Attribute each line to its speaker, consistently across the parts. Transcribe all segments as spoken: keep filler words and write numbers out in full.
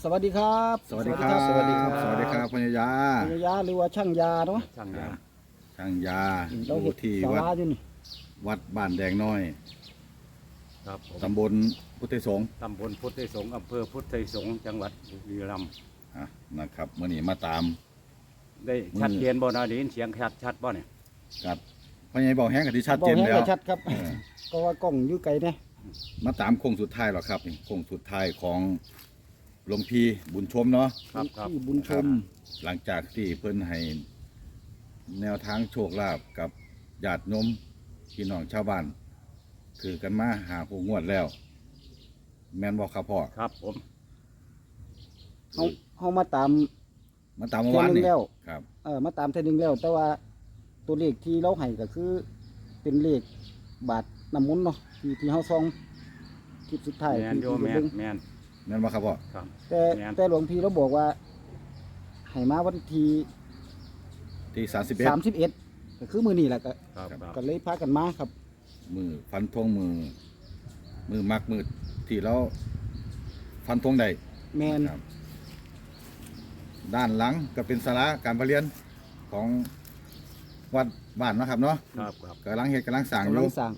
Speaker 1: วัสดีครับ
Speaker 2: สวัสดีครับ
Speaker 1: สวัสดีครับ
Speaker 2: สวัสดีครับพญายา
Speaker 1: พญายาหรือว่าช่างยาเนาะ
Speaker 3: ช่างยา
Speaker 2: ช่างยา
Speaker 1: เรา
Speaker 2: อ
Speaker 1: เห็
Speaker 2: ยู่
Speaker 1: ด
Speaker 2: ที่
Speaker 1: สา
Speaker 2: วัด
Speaker 1: ราอยู่นี่
Speaker 2: วัดบ้านแดงน้อย
Speaker 3: ครับผม
Speaker 2: ตำบลพุทธิสงฆ์
Speaker 3: ตำบลพุทธไทยสงฆ์อำเภอพุทธไทยสงฆ์จังหวัดบุรีรัมย์
Speaker 2: อ่ะนะครับเมื่อนี้มาตาม
Speaker 3: ได้ชัดเจนบ่นาไดยินเสียงชัดชัดบ่เนี่ย
Speaker 2: กับพญายบอกแห้งกับที่ชัด
Speaker 1: บอ
Speaker 2: เจ
Speaker 1: ก
Speaker 2: น
Speaker 1: ให้
Speaker 2: แล้ว
Speaker 1: ชัดครับ
Speaker 2: เออ
Speaker 1: ก็ว่ากล้องอยู่ไกลเนี่ย
Speaker 2: มาตามโค้งสุดท้ายหรอครับนี่โค้งสุดท้ายของหลวงพี่บุญชมเนาะ
Speaker 3: ครับครับ
Speaker 1: ที่บุญชม
Speaker 2: หลังจากที่เพิ่นให้แนวทางโชคลาภกับญาติโยมพี่น้องชาวบ้านคือกันมาหาผู้งวดแล้ว แม่นบอกครับพ่อ
Speaker 3: ครับผม
Speaker 1: เขาเขามาตาม
Speaker 2: มาตามเมื่อ
Speaker 1: เที่ยว
Speaker 2: วาน
Speaker 1: หนึ
Speaker 2: นี่
Speaker 1: งแล้ว
Speaker 2: ครับ
Speaker 1: เออมาตามเที่ยวหนึงแล้ว แต่ว่าตัวเลขที่เราให้ก็คือ เป็นเลขบาทน้ำมนต์เนาะที่ที่เขาซองคลิปสุดท้าย
Speaker 3: แมน
Speaker 1: ที่
Speaker 3: โย
Speaker 1: ที่
Speaker 3: แม
Speaker 1: เบิ่
Speaker 3: น
Speaker 1: ง
Speaker 3: แมน
Speaker 2: แม่นบอกครับพ่อ
Speaker 3: ครับ
Speaker 1: แต่
Speaker 3: แม่น
Speaker 1: แต่หลวงพี่เราบอกว่าให้มาวันที่
Speaker 2: ที่สามสิบเอ็ด
Speaker 1: สามสิบเอ็ดก็คือมือนี่แหละก็
Speaker 3: ครับครับ
Speaker 1: ก็เลยพากันมาครับ
Speaker 2: มือฟันธงมือ มือมักมือที่เราฟันธงได้
Speaker 1: แมน
Speaker 2: ครับด้านหลังก็เป็นศาลาการประเรียนของวัดบ้านเนาะครับเนาะ
Speaker 3: ครับครับ
Speaker 2: กำลังเฮ็ดกำลังสร้างอก
Speaker 1: ำลั
Speaker 2: ยู่
Speaker 1: งสร้าง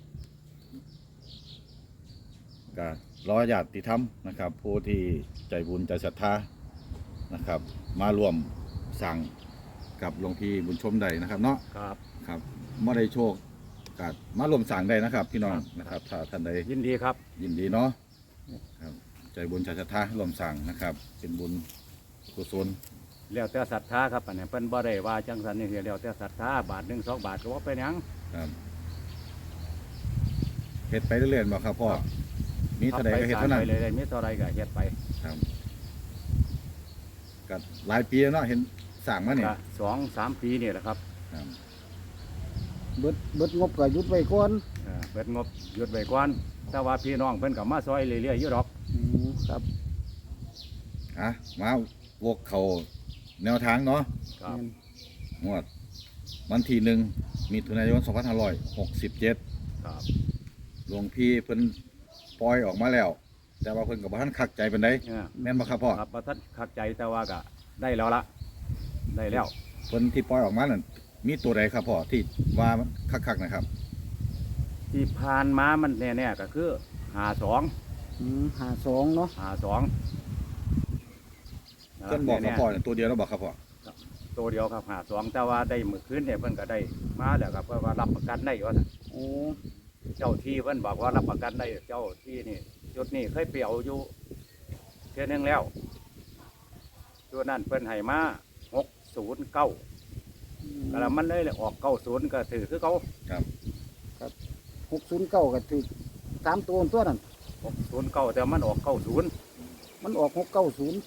Speaker 2: ก็รอญาติธรรมนะครับ ผู้ที่ใจบุญใจศรัทธานะครับ มาร่วมสร้างกับหลวงพี่บุญชมได้นะครับ เนาะ
Speaker 3: ครับ
Speaker 2: ครับเมื่อได้โชคกัมาร่วมสร้างได้นะครับ พี่น้องนะครับ ถ้าท่านใด
Speaker 3: ยินดีครับ
Speaker 2: ยินดีเนาะครับใจบุญใจศรัทธาร่วมสร้างนะครับ เป็นบุญกุศล
Speaker 3: แล้วแต่ศรัทธาครับอันนี้เพิ่นบ่ได้ว่าจังสันนี่คือแล้วแต่ศรัทธาบาทหนึ่งสองบาทก็ว่าเป็นหยัง
Speaker 2: ครับเฮ็ดไปเรื่อยๆบ่ครับพ่อมีเท่าใดก็เฮ็ด
Speaker 3: ทำ
Speaker 2: เท่านั้น
Speaker 3: ไปเลยๆมีเท่าไรก็เฮ็ดไป
Speaker 2: ครับก็หลายปีแล้วเนาะเห็นสร้างมาเนี่ย
Speaker 3: ก็สองสามปีนี่แหละครับ
Speaker 2: ครับ
Speaker 1: เบิดเบิดงบก็หยุดไว้ก่อน
Speaker 3: เออเปิดงบหยุดไว้ก่อนแต่ว่าพี่น้องเพิ่นก็มาซอยเรื่อยๆอยู่ดอก
Speaker 1: อืมครับ
Speaker 2: อ่ะมาวกเขาแนวทางเนาะ
Speaker 3: ครับ
Speaker 1: แม่น
Speaker 2: งวดวันที่หนึ่งมิถุนายนสองพันห้าร้อยหกสิบเจ็ด
Speaker 3: ครับ
Speaker 2: หลวงพี่เพิ่นปล่อยออกมาแล้ว แต่ว่าเพิ่นก็บ่ทันคักใจปานใด
Speaker 3: เออ
Speaker 2: แม่นบ่ครับพ่อ
Speaker 3: ครับประทัดขัดใจแต่ว่าก็ได้แล้วละได้แล้ว
Speaker 2: เพิ่นที่ปล่อยออกมานั่นมีตัวใดครับพ่อที่ว่ามันคักๆนะครับ
Speaker 3: ที่ผ่านมามันแน่ๆก็คือหาสอง
Speaker 1: อืมหาสองเนาะ
Speaker 3: หาสอง
Speaker 2: เพิ่นบอกกับพ่อเนี่ยตัวเดียวแล้วบอกครับพ่อ
Speaker 3: ตัวเดียวครับหาสองแต่ว่าได้เมื่อคืนเนี่ยเพิ่นก็ได้มาแล้วครับเพราะว่ารับประกันได้ว่าซั่น
Speaker 1: โอ้
Speaker 3: เจ้าที่เพิ่นบอกว่ารับประกันได้เจ้าที่นี่จุดนี้เคยเปลี่ยวอยู่เทื่อนึงแล้วตัวนั้นเพิ่นให้มาหกศูนย์เก้าก็แล้วมันเลยออกเก้าศูนย์ก็ถือคือเขา
Speaker 2: ครับ
Speaker 1: หกศูนย์เก้าก็ถือสามตัวตัวนั้น
Speaker 3: หกศูนย์เก้าแต่มันออกเก้าศูนย์
Speaker 1: มันออกหกเก้าศูนย์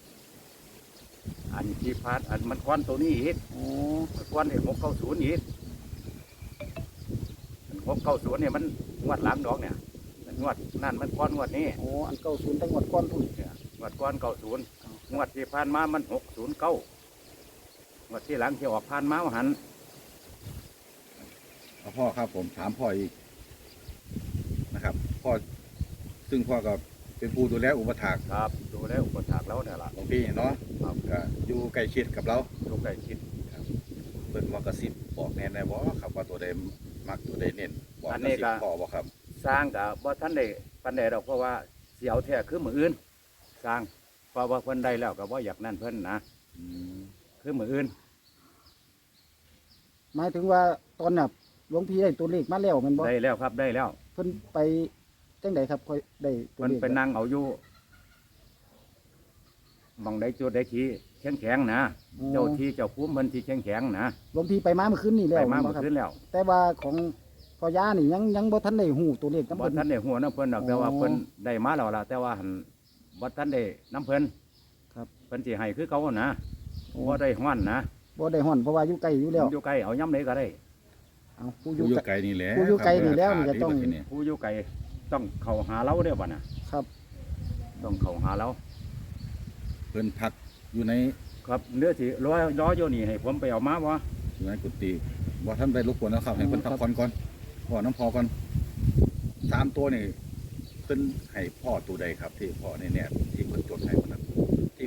Speaker 3: อันที่พาดอันมันควันตัวนี้อีก
Speaker 1: โอ้
Speaker 3: มันควันเนี่ยหกเก้าศูนย์อีกหกเก้าศูนย์เนี่ยมันงวดหลังดอกเนี่ยงวดนั่นมันควันงวดนี้
Speaker 1: โอ้อันเก้าศูนย์ตั้งหมดก้อนพุ่น
Speaker 3: เนี่ยงวดก้อนเก้าศูนย์งวดที่ผ่านมามันหกศูนย์เก้างวดที่หลังที่ออกผ่านมาหัน
Speaker 2: เอาพ่อครับผมถามพ่ออีกนะครับพ่อซึ่งพ่อก็เป็นผู้ดูแลอุปถาก
Speaker 3: ครับดูแลอุปถากแล้วเนี่ยล่ะ
Speaker 2: หลวงพี่เนาะ
Speaker 3: ครับ
Speaker 2: ก็อยู่ใกล้ชิดกับเรา
Speaker 3: ลูกไก่คิด
Speaker 2: เพิ่นว่ากระซิบบอกแน่ได้บ่ครับว่าตัวใดมักตัวใดเน้นบอกกระซิบพ่อบ่ครับ
Speaker 3: สร้างกับว่าท่านได้ปันใดดอกเพราะว่าเสียวแท้คือมืออื่น สร้างเพราะว่าเพิ่นได้แล้วก็ว่าอยากนั่นเพิ่นนะ
Speaker 2: อืม
Speaker 3: คือมืออื่น
Speaker 1: หมายถึงว่าตอนน่ะหลวงพี่ได้ตัวเลขมาแล้วแมันบ่
Speaker 3: ได้แล้วครับได้แล้ว
Speaker 1: เพิ่นไปจังไดครับค่อยได้ตัว
Speaker 3: เพิ่น
Speaker 1: เลข
Speaker 3: ไปนั่งเอาอยู่หมองได้จุดได้ทีแข็งแข็งๆนะ
Speaker 1: โอ้
Speaker 3: เจ้าที่เจ้าภูมิเพิ่นที่แข็งแข็งๆนะ
Speaker 1: หลวงพี่ไปมาเมื่อคืนนี่แล้ว
Speaker 3: ไปมา
Speaker 1: แน
Speaker 3: เมื่
Speaker 1: บ่
Speaker 3: อ
Speaker 1: ครับ
Speaker 3: คืนแล้ว
Speaker 1: แต่ว่าของพ่อย่านี่ยังยังบ่ทันได้ฮู้ตัวเลขนำ
Speaker 3: บ่
Speaker 1: เพิ่น
Speaker 3: ท่านได้หัวน้ำเพิ่นดอกแต่ว่า
Speaker 1: อ๋อ
Speaker 3: เพิ่นได้มาแล้วล่ะแต่ว่าหันบ่ท่านได้น้ำเพิ่น
Speaker 1: ครับ
Speaker 3: เพิ่นสิให้คือเขานะ
Speaker 1: โอ้
Speaker 3: บ่ได้ฮ้อนนะ
Speaker 1: บ่ได้ฮ้อนเพราะว่าอยู่ไกลอยู่แล้ว
Speaker 3: อยู่ไกลเอาย้ำไหนก็ได้
Speaker 1: เอาผู้อ
Speaker 2: ผู้
Speaker 1: ยู่
Speaker 2: อยู่
Speaker 1: ไกล
Speaker 2: ไกลนี่แหละ
Speaker 1: ผู้อยู่ไกลนี่แล้วนี่
Speaker 2: ค
Speaker 1: จะ
Speaker 2: รับ
Speaker 1: ต้อง
Speaker 2: ดีกว่าที่นี่
Speaker 3: ผู้อยู่ไกลต้องเข้าหาเราเด้อบ่น่ะ
Speaker 1: ครับ
Speaker 3: ต้องเข้าหาเรา
Speaker 2: เพิ่นพักอยู่ใน
Speaker 3: ครับเนื้อสิร้อยร้อยอยู่นี่ให้ผมไปเอามาบ่
Speaker 2: อยู่ในกุฏิบ่ท่านได้รบกวนนะครับให้เพิ่นพักผ่อนก่อนพ่อน้ำพอก่อนสามตัวนี่เพิ่นให้พ่อตัวใดครับ ที่พ่อนี่เนี่ยที่เพิ่นจดให้มันนั้น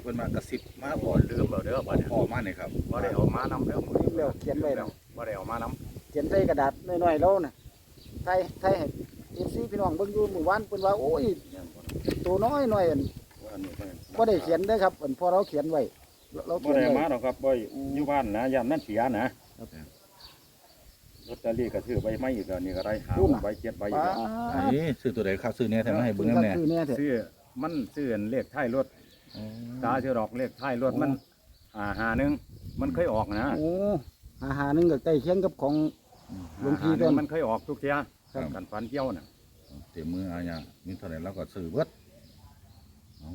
Speaker 2: พิ่นมากระซิบมาบ
Speaker 3: บ่
Speaker 2: อก
Speaker 3: ลืมเอาเด้อบ่เนี่ย
Speaker 2: พ่อมาเนี่ยครับ
Speaker 3: บ่ได้เอามานำเด้อ
Speaker 1: ลืมแล้วเขียนไว้แล้ว
Speaker 3: บ่ได้เอามานำ
Speaker 1: เขียนใส่กระดาษน้อยๆแล้วน่ะไทยไทยให้เอฟซีพี่น้องเบิ่งอยู่เมื่อวานเพิ่นว่าโอ้ยตัวน้อยหน่อยอันบ่ได้เขียนเด้อครับอันพอเราเขียนไว้เรา
Speaker 3: บ่
Speaker 1: เขียน
Speaker 3: ได้
Speaker 1: ไว้
Speaker 3: มาดอกครับบ่อยู่บ้านนะยามนั้นเสียนะลอตเตอรี่ก็ซื้อใบไม้อีกแล้วนี่ก็ได้หาใบเจ็ดใบอีก
Speaker 1: ป้า
Speaker 3: แล้ว
Speaker 2: ไอ้ซื้อตัวใดครับซื้อเนี่ยแถมมาให้เบิ่งนำแน่
Speaker 1: คือแน่แท้
Speaker 3: ซื้อมันซื้อเลขท้ายรถตาชื่อดอกเลขท้ายรถมันอ่าหาหนึงมันเคยออกนะ
Speaker 1: โอ้หาหาหนึงก็ใกล้เคียงกับของ หลวงพี่
Speaker 3: หาห
Speaker 1: ต้
Speaker 3: นึ่
Speaker 1: น
Speaker 3: งมันเคยออกทุกเที่ยกันฝันเกี่ยวน่ะ
Speaker 2: เต็มมืออาญามีเท่าไหร่เราก็ซื้อเบิดเอา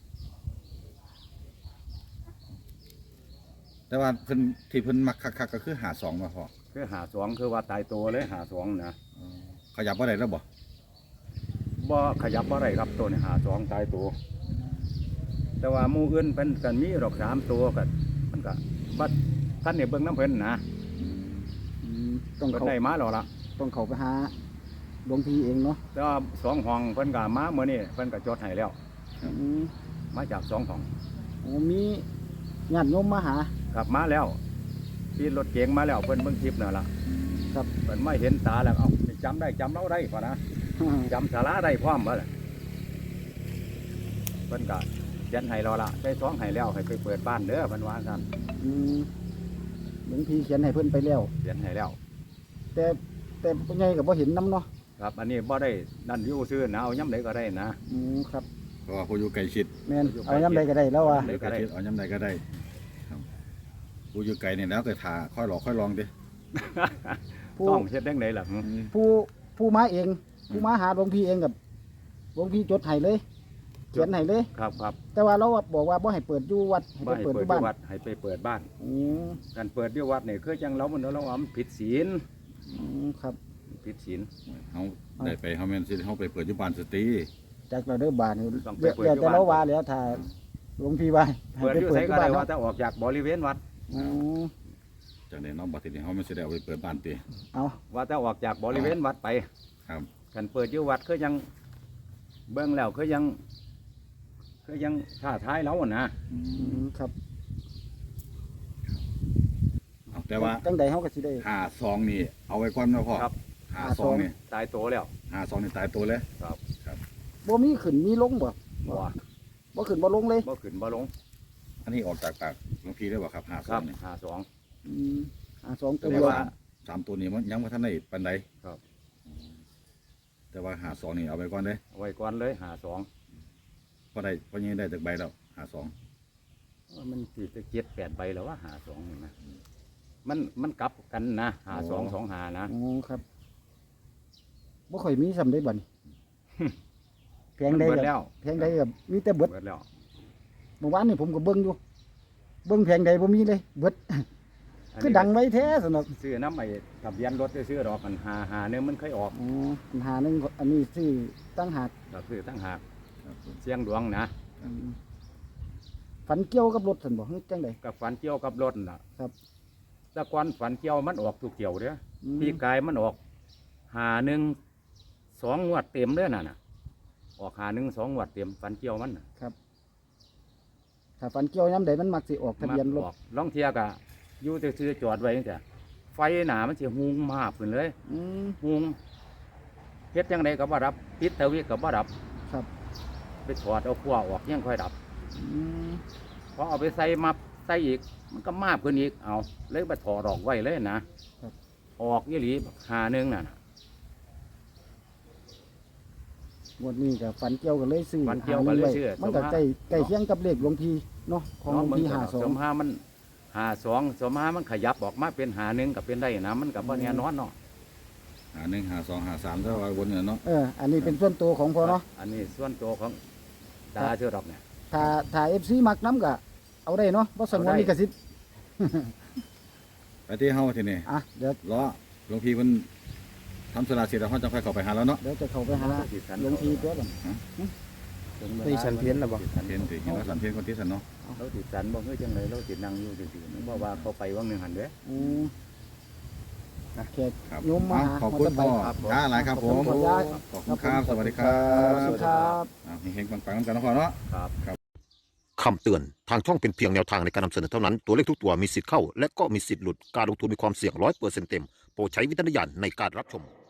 Speaker 2: แต่ว่าเพิ่นที่เพิ่นมักคักๆก็คือหาสองมาพอ
Speaker 3: คือหาสองคือว่าตายตัวเลยหาสองนะ
Speaker 2: อ๋อขยับบ่ได้แล้วบ่
Speaker 3: บ่ขยับบ่ได้ครับตัวนี้หาสองตายตัว แต่ว่าหมู่อื่นเป็นกันมีดอกสามตัวกันมันก็บัดท่านเนี่ยเบิ่งน้ำเพิ่นนะ
Speaker 1: อืมต้อง
Speaker 3: เพิ่น
Speaker 1: เขา
Speaker 3: ได้มาแล้วล่ะ
Speaker 1: ต้องเขาไปหาหลวงพี่เองเนาะ
Speaker 3: แต่ว่าสองห้องเพิ่นก็มาเมื่อนี้เพิ่นก็จดให้แล้ว
Speaker 1: อืม
Speaker 3: มาจากสองห้อง
Speaker 1: โอ้มีญาติโยมมาหา
Speaker 3: ขับมาแล้วที่รถเก๋งมาแล้วเพิ่นเบิ่งคลิปนั่นล่ะ
Speaker 1: ครับ
Speaker 3: เพิ่นไม่เห็นตาแล้วเอาจำได้จำเราได้ป่ะนะจำสาระได้พร้อมบ่ล่ะเพิ่นก็เขียนให้เราละได้สองให้แล้วให้ไปเปิดบ้านเด้อเพิ่นว่าซั่น
Speaker 1: อืมหลวงพี่เขียนให้เพิ่นไปแล้ว
Speaker 3: เขียนให้แล้ว
Speaker 1: แต่แต่พ่อใหญ่ก็บ่เห็นน้ำเนาะ
Speaker 3: ครับอันนี้บ่ได้นั่นอยู่ซื่อนะเอาย่ำใดก็ได้นะ
Speaker 1: อืมครับ
Speaker 2: เพราะว่าผู้อยู่ใกล้ชิด
Speaker 1: แม่นเอาย้ำใดก็ได้แล้วว่า
Speaker 3: เดี๋ยวก็ได้
Speaker 2: เอาย้ำใดก็ได้ครับผู้อยู่ไกลเนี่ยแล้วแต่ทาค่อยหลอกค่อยลองดิ
Speaker 1: ผู้
Speaker 3: ต้องเฮ็ดจังไดล่ะ
Speaker 1: ผู้ผู้มาเอง ผู้มาหาหลวงพี่เองกับหลวงพี่จดให้เลย เขียนให้เลย
Speaker 3: ครับครับ
Speaker 1: แต่ว่าเราบอกว่าบ่ให้เปิดอยู่วัดให้
Speaker 3: บ่
Speaker 1: ไป
Speaker 3: ให้
Speaker 1: เปิด
Speaker 3: เปิ
Speaker 1: อ
Speaker 3: ด
Speaker 1: ยู่บ้าน
Speaker 3: ที่วัดให้ไปเปิดบ้าน
Speaker 1: อืม
Speaker 3: การเปิดที่วัดนี่คือจังเรามันเราว่ามันผิดศีล
Speaker 1: อืมครับ
Speaker 3: ผิดศีล
Speaker 2: เขาได้ไปเขาแม่นสิเขาไปเปิดอยุบานสตรี
Speaker 1: จากเราเด้อบานนี่
Speaker 3: ต้องไป
Speaker 1: เดี๋ยว
Speaker 3: เปิด
Speaker 1: เดี๋ยว
Speaker 3: อยู่
Speaker 1: แต่
Speaker 3: บ้าน
Speaker 1: เราว่าแล้วถ้าหลวงพี่ว่าให้
Speaker 3: เปิด
Speaker 1: ไป
Speaker 3: อยู่
Speaker 1: เปิ
Speaker 3: ไส
Speaker 1: ดอยู่
Speaker 3: ก็
Speaker 1: บ้า
Speaker 3: ได้
Speaker 1: น
Speaker 3: ว่า
Speaker 1: เนาะ
Speaker 3: แต่ออกจากบริเวณวัด
Speaker 1: อืม
Speaker 2: จากนี้เน้องบัดทีนี้เขาไม่สิได้เอาไปเปิดบ้านตี
Speaker 1: เอา
Speaker 3: ว่าแต่ออกจากบริเวณวัดไป
Speaker 2: ครับ
Speaker 3: กันเปิดอยู่วัดคือยังเบิ่งแล้วคือยังคือยังท่าท้ายเราอะนะ
Speaker 2: อื
Speaker 1: อื
Speaker 2: ม
Speaker 1: มครับ
Speaker 2: เอาแต่ว่า
Speaker 1: จังใดเฮาก็สิได้
Speaker 2: หาซองนี่เอาไว้ก่อนนะพ่อ
Speaker 3: ครับ
Speaker 2: หาซองนี่
Speaker 3: ตายโตแล้ว
Speaker 2: หาซองนี่ตายตัวเลย
Speaker 3: ครับ
Speaker 1: บ่มีขึ้นมีลงบ่
Speaker 3: บ่
Speaker 1: บ่ขึ้นบ่ลงเลย
Speaker 3: บ่ขึ้นบ่ลง
Speaker 2: อันนี้ออกจากปากหลวงพี่ได้บ่ครับหาซ
Speaker 3: ค
Speaker 2: อ
Speaker 3: รั
Speaker 2: ง
Speaker 3: บ
Speaker 2: นี่
Speaker 3: หาสอง
Speaker 1: อืมอ่าสองตัว
Speaker 2: แต่
Speaker 1: เดียว
Speaker 2: ว่าสามตัวนี้มันยังไม่ทันได้ปันใด
Speaker 3: ครับ
Speaker 2: แต่ว่าหาซองนี่เอาไว้ก่อนเด้
Speaker 3: เอาไว้ก่อนเลยหาสอง
Speaker 2: พอได้พอยังได้จากใบแล้วหาซอง
Speaker 3: ว่ามันสี่จะเจ็ดแปดใบแล้วว่าหาสองนี่นะมันมันกลับกันนะหาสองสองหานะ
Speaker 1: อ๋อครับบ่ค่อยมีสำได้บัดนี้แพง
Speaker 3: มัน
Speaker 1: ได้
Speaker 3: เบิด
Speaker 1: กับ
Speaker 3: แล้ว
Speaker 1: แพงใดกับมีแต่เบิด
Speaker 3: เบิดแล้ว
Speaker 1: เมื่อวานนี่ผมก็เบิ่งอยู่ เบิ่งแพงใดบ่มีเลยเบิด
Speaker 3: อัน
Speaker 1: คือ
Speaker 3: นี้
Speaker 1: ดังไว้แท้สำหรับ
Speaker 3: ซื้อน้ำไอ้ทะเบียนรถซื้อดอกมันหาหาเนี่ยมันเคยออก
Speaker 1: อ๋อปัญหาหนึงอันนี้ซื้อตั้งหาก
Speaker 3: ก็ซื้อตั้งหาก
Speaker 2: ครับผม
Speaker 3: เสียงดวงนะ
Speaker 1: อืมฝันเกี่ยวกับรถซั่นบ่ฮึจังได
Speaker 3: กับฝันเกี่ยวกับรถน่ะ
Speaker 1: ครับ
Speaker 3: แต่ก่อนฝันเกี่ยวมันออกทุกเกี่ยวเด้อ
Speaker 1: อืม
Speaker 3: พี่กายมันออกหาหนึ่งสองงวดเต็มเด้อน่ะน่ะออกหาหนึ่งสองงวดเต็มฝันเกี่ยวมันน่ะ
Speaker 1: ถ้าฝันเกี่ยวยามใดมันมักสิออกทะเบียนรถ
Speaker 3: มักออกล่องเทียกะอยู่ซื่อๆจอดไว้นี่จ้ะไฟหนามันสิหุงมาขึ้นเลย
Speaker 1: อืม
Speaker 3: หุงเฮ็ดจังไดก็บ่ดับติดตะวิก็บ่ดับ
Speaker 1: ครับ
Speaker 3: ไปถอดเอาขั้วออกยังค่อยดับ
Speaker 1: อืม
Speaker 3: พอเอาไปใส่มับใส่อีก มันก็มากขึ้นอีกเอาเลยไปถอดออกไว้เลยนะออกยี่หลีหาหนึ่งน่ะนะ
Speaker 1: งวดนี้ก็ฝันเกี่ยวกันเลยซื้อ
Speaker 3: ฝันเกี่ยวกันเลย
Speaker 1: หา
Speaker 3: ซื้อ
Speaker 1: มันก็
Speaker 3: สมหา
Speaker 1: ใกล้ใกล้เคียงกับเลขหลวงพี่เนาะของหลวงพี่ห้าสอ
Speaker 3: ส
Speaker 1: ง
Speaker 3: มหามันหาสองสมหามันขยับออกมาเป็นหาหนึ่งกับเป็นได้นะมันกับว่าแน่นอนเนาะ
Speaker 2: หาหนึ่งหาสองหาสามแล้วว่าวนเนี่ยเนาะ
Speaker 1: เอออันนี้เป็นส่วนตัวของพอเนาะ
Speaker 3: อันนี้ส่วนตัวของตาเชื่อดอกเนี่ย
Speaker 1: ถ้าถ้า เอฟ ซี มักน้ำก็เอาได้เนาะบ่สงวน
Speaker 3: เอาได้
Speaker 1: ลิขสิทธิ์
Speaker 2: ไปที่เฮาทีนี้
Speaker 1: อ่ะเดี๋ยว
Speaker 2: ล้อหลวงพี่มันทำสลาเสร็จแล้วเขาจะค่อยเข้าไปหาแล้วเนาะ
Speaker 1: เดี๋ยวจะเข้าไปหาหลวงพี่ตัวก่อน
Speaker 3: นี่ฉันเพี้ยนนะบ่
Speaker 2: เพียนติเห็นว่าสันเพียนคนที่สันเนาะ
Speaker 3: เราติดสันบ่เฮ้ยจังเลยเราติดนั่งอยู่ซื่อๆเพราะว่าเขาไปว่างหนึ่งหันเด้อ
Speaker 1: อืมนะแขก
Speaker 2: ครับ
Speaker 1: โยมมา
Speaker 2: เอาขอบคุณพ่อ
Speaker 3: ครับผม
Speaker 2: จ้าหลายครับผม
Speaker 1: ขอบคุณครับ
Speaker 2: ขอบคุณครับ สวัสดีครั
Speaker 1: สวัส
Speaker 2: บ
Speaker 1: ดีครับ
Speaker 2: อ่าเฮงๆปังๆกันนะพ่อเนาะ
Speaker 3: ครับ
Speaker 4: คำเตือนทางช่องเป็นเพียงแนวทางในการนำเสนอเท่านั้นตัวเลขทุกตัวมีสิทธิ์เข้าและก็มีสิทธิ์หลุดการลงทุนมีความเสี่ยงร้อยเปอร์เซ็นต์เต็มโปรดใช้วิจารณญาณในการรับชม